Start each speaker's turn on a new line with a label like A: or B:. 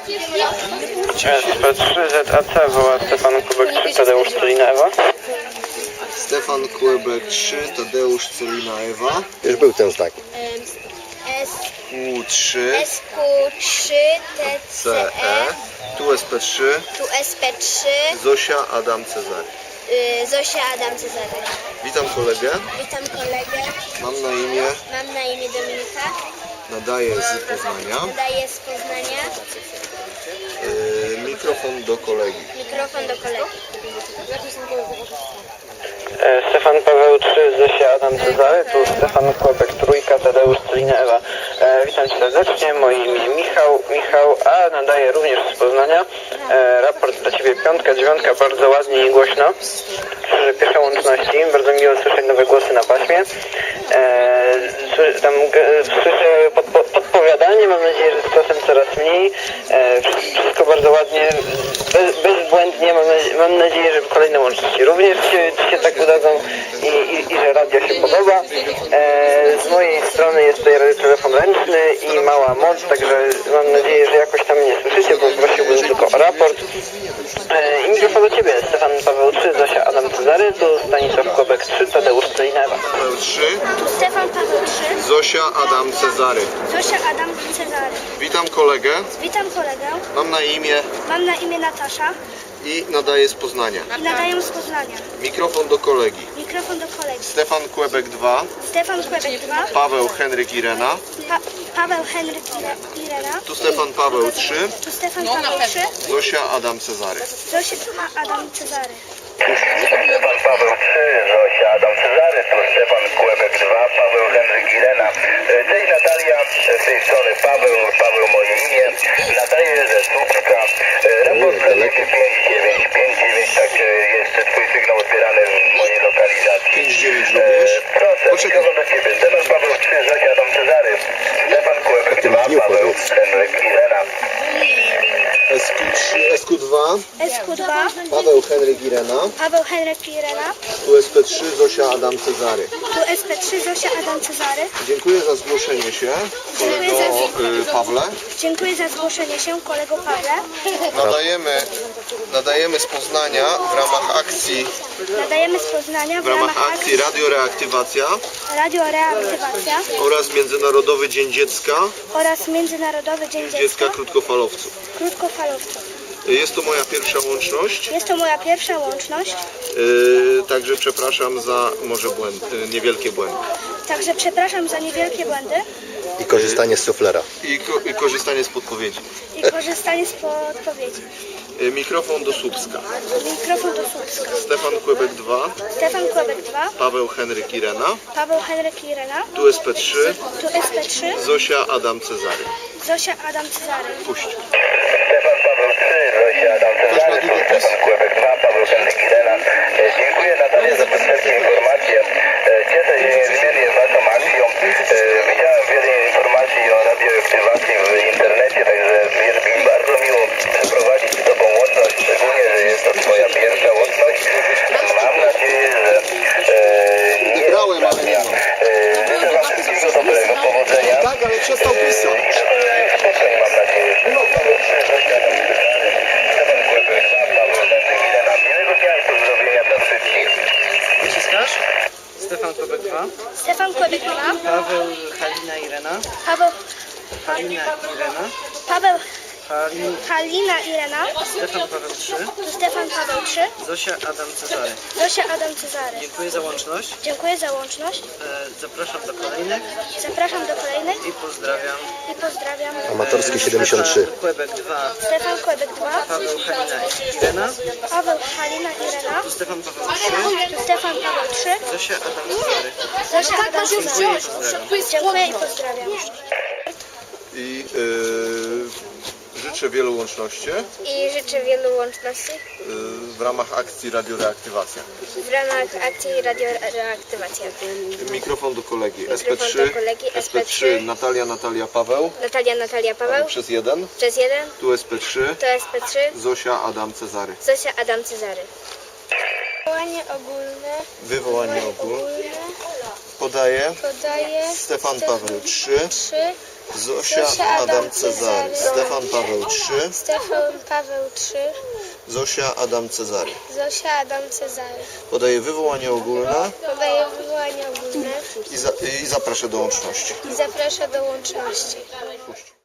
A: SP3 ZAC woła Stefan Kubek 3, Tadeusz Celina Ewa.
B: Stefan Kłebek 3, Tadeusz Celina Ewa.
C: Już był ten znak.
B: SQ3,
D: SQ3 TCE,
B: tu SP3,
D: tu SP3,
B: Zosia Adam Cezary.
D: Zosia Adam Cezary.
B: Witam kolegę,
D: Witam kolegę,
B: mam na imię
D: Dominika,
B: nadaję z Poznania.
D: nadaję z Poznania,
B: Mikrofon do kolegi.
D: mikrofon do kolegi.
A: Stefan Paweł 3, Zosia Adam Cezary, tu Stefan Kłebek 3, Tadeusz Celina Ewa. Witam Cię serdecznie, moje imię Michał, a nadaję również z Poznania. Raport dla Ciebie 5, 9, bardzo ładnie i głośno. Pierwsze łączności, bardzo miło słyszeć nowe głosy na paśmie. Słyszę podpowiadanie, mam nadzieję, że z czasem coraz mniej. Wszystko bardzo ładnie, bezbłędnie, mam nadzieję, że kolejne łączności również się tak udadzą i że radio się podoba. Z mojej strony jest tutaj radiotelefon ręczny i mała moc, także mam nadzieję, że jakoś tam mnie słyszycie, bo prosiłbym tylko o raport. I mikrofon do Ciebie, Stefan Paweł 3, Zosia Adam Cezary, tu Stanisław Kłebek 3, Tadeusz Celina Ewa.
B: Paweł 3,
D: Tu Stefan Paweł 3,
B: Zosia Adam Cezary.
D: Zosia Adam Cezary.
B: Witam kolegę,
D: Witam kolegę,
B: mam na imię
D: Natasza
B: i nadaję z Poznania.
D: i nadaję z Poznania.
B: Mikrofon do kolegi.
D: Mikrofon do kolegi.
B: Stefan Kłebek 2,
D: Stefan Kłebek 2,
B: Paweł Henryk Irena.
D: Paweł Henryk Irena,
B: Tu Stefan Paweł 3,
D: tu Stefan Paweł 3,
B: Zosia Adam Cezary.
D: Zosia Adam Cezary.
E: Stefan Paweł 3, Zosia Adam Cezary, tu Stefan Kłebek 2, Paweł Henryk Irena. Cześć Natalia, z tej strony Paweł moje imię. Nadaję ze Słupska. Raport dla ciebie 5959, tak jest twój sygnał odbierany w mojej lokalizacji.
B: 59 również.
E: Proszę,
B: Poczekaj.
E: mikrofon do ciebie. Stefan Paweł 3, Zosia Adam Cezary. Stefan Kłebek 2, Paweł Henryk Irena.
B: SQ2,
D: SQ2,
B: Paweł Henryk Irena.
D: Paweł Henryk Irena,
B: Tu SP3, Zosia Adam Cezary.
D: tu SP3 Zosia Adam Cezary.
B: Dziękuję za zgłoszenie się, kolego Pawle.
D: Dziękuję za zgłoszenie się, kolego Pawle.
B: Nadajemy z Poznania w ramach akcji Radio Reaktywacja
D: Radio Reaktywacja
B: oraz Międzynarodowy Dzień Dziecka
D: oraz Międzynarodowy Dzień Dziecka
B: krótkofalowców.
D: krótkofalowców.
B: Jest to moja pierwsza łączność,
D: Jest to moja pierwsza łączność,
B: także przepraszam za może niewielkie błędy
D: także przepraszam za niewielkie błędy
C: I korzystanie z suflera.
B: i korzystanie z podpowiedzi.
D: i korzystanie z podpowiedzi.
B: Mikrofon do Słupska.
D: Mikrofon do Słupska.
B: Stefan Kłebek 2,
D: Stefan Kłebek 2,
B: Paweł Henryk Irena.
D: Paweł Henryk Irena,
B: Tu SP3,
D: tu SP3
B: Zosia Adam Cezary.
D: Zosia Adam Cezary.
B: Puść.
E: Stefan Paweł 3, Zosia Adam Cezary, tu Stefan Kłebek 2, Paweł Henryk Irena. Dziękuję Natalia za przedstawienie informacje. Cieszę się niezmiernie waszą akcją. Widziałem wiele informacji o radioaktywacji w internecie, także jest mi bardzo miło przeprowadzić z tobą łączność, szczególnie, że jest to twoja pierwsza łączność. Mam nadzieję, że nie
B: Brałem, ale
E: ostatnia.
B: nie ma.
E: Życzę wam wszystkiego dobrego, powodzenia.
B: Tak, ale przestał pisać.
E: Spotkaj, mam nadzieję. Stefan Kłebek, Paweł Henryk Irena. Miłego dnia i pozdrowienia dla wszystkich.
F: Naciskasz? Stefan Kłebek 2,
D: Stefan Kłebek 2,
F: Paweł Halina Irena,
D: Paweł Halina Irena,
F: Stefan Paweł 3,
D: tu Stefan Paweł 3,
F: Zosia Adam Cezary.
D: Zosia Adam Cezary.
F: Dziękuję za łączność.
D: Dziękuję za łączność.
F: Zapraszam do kolejnych
D: Zapraszam do kolejnych
F: i pozdrawiam.
C: Amatorski 73.
F: Stefan Kłebek 2,
D: Stefan Kłebek 2,
F: Paweł Halina Irena,
D: Paweł Halina Irena,
F: tu Stefan Paweł 3,
D: tu Stefan Paweł 3,
F: Zosia Adam Cezary.
D: Zosia Adam
F: Dziękuję
D: Cezary.
F: i pozdrawiam.
D: Dziękuję i pozdrawiam.
B: I życzę wielu łączności
D: I życzę wielu łączności
B: w ramach akcji Radio Reaktywacja.
D: w ramach akcji Radio Reaktywacja.
B: Mikrofon do kolegi.
D: Mikrofon
B: SP3,
D: do kolegi.
B: SP3 Natalia Paweł.
D: Natalia Paweł,
B: Przez 1.
D: przez 1,
B: Tu SP3,
D: to SP3,
B: Zosia Adam Cezary.
D: Zosia Adam Cezary.
B: Wywołanie ogólne. Podaje
D: Podaje
B: Stefan Paweł 3, Zosia Adam Cezary. Stefan Paweł III.
D: Stefan Paweł III.
B: Zosia Adam Cezary.
D: Zosia Adam Cezary.
B: Podaję wywołanie ogólne
D: Podaje wywołanie ogólne
B: i zapraszam do łączności.
D: i zaprasza do łączności.
B: Puść.